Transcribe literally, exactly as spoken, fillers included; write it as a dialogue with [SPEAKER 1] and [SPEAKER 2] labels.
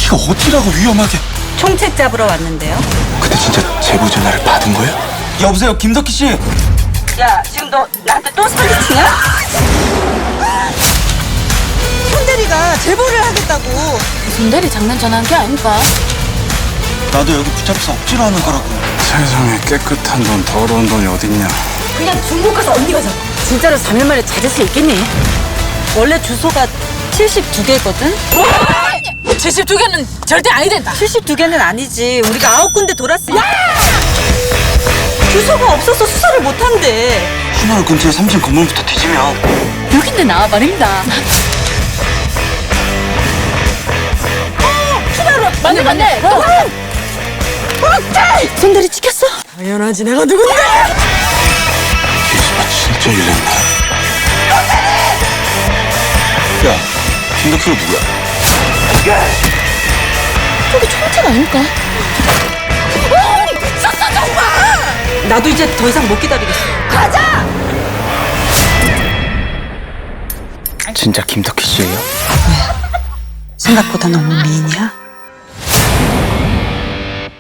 [SPEAKER 1] 이거 어찌라고 위험하게.
[SPEAKER 2] 총책 잡으러 왔는데요.
[SPEAKER 1] 근데 진짜 제보 전화를 받은 거예요? 여보세요, 김덕희 씨.
[SPEAKER 2] 야, 지금 너 나한테 또 사기치냐? 손대리가 제보를 하겠다고.
[SPEAKER 3] 손대리 장난 전화한 게 아닙니까?
[SPEAKER 1] 나도 여기 붙잡혀서 억지로 하는 거라고.
[SPEAKER 4] 세상에 깨끗한 돈, 더러운 돈이 어딨냐.
[SPEAKER 3] 그냥 중국 가서 언니가 잡아. 진짜로 삼 일 만에 찾을 수 있겠니?
[SPEAKER 2] 원래 주소가 칠십이 개거든?
[SPEAKER 3] 칠십이 개는 절대 아니 된다.
[SPEAKER 2] 칠십이 개는 아니지. 우리가 아홉 군데 돌았으니까. 주소가 없어서 수사를 못 한대.
[SPEAKER 1] 신호를 근처에 삼층 건물부터 뒤지면
[SPEAKER 3] 여긴데 나와 말입니다.
[SPEAKER 2] 기다려.
[SPEAKER 3] 맞네 맞네.
[SPEAKER 2] 손대리 찍혔어? 당연하지. 내가 누군데?
[SPEAKER 1] 기수가 진짜 일났네. 야, 김덕희가 누구야?
[SPEAKER 3] 저기 총책 아닙니까?
[SPEAKER 2] 미쳤어 정말. 나도 이제 더 이상 못 기다리겠어. 가자.
[SPEAKER 1] 진짜 김덕희 씨예요?
[SPEAKER 2] 생각보다 너무 미인이야.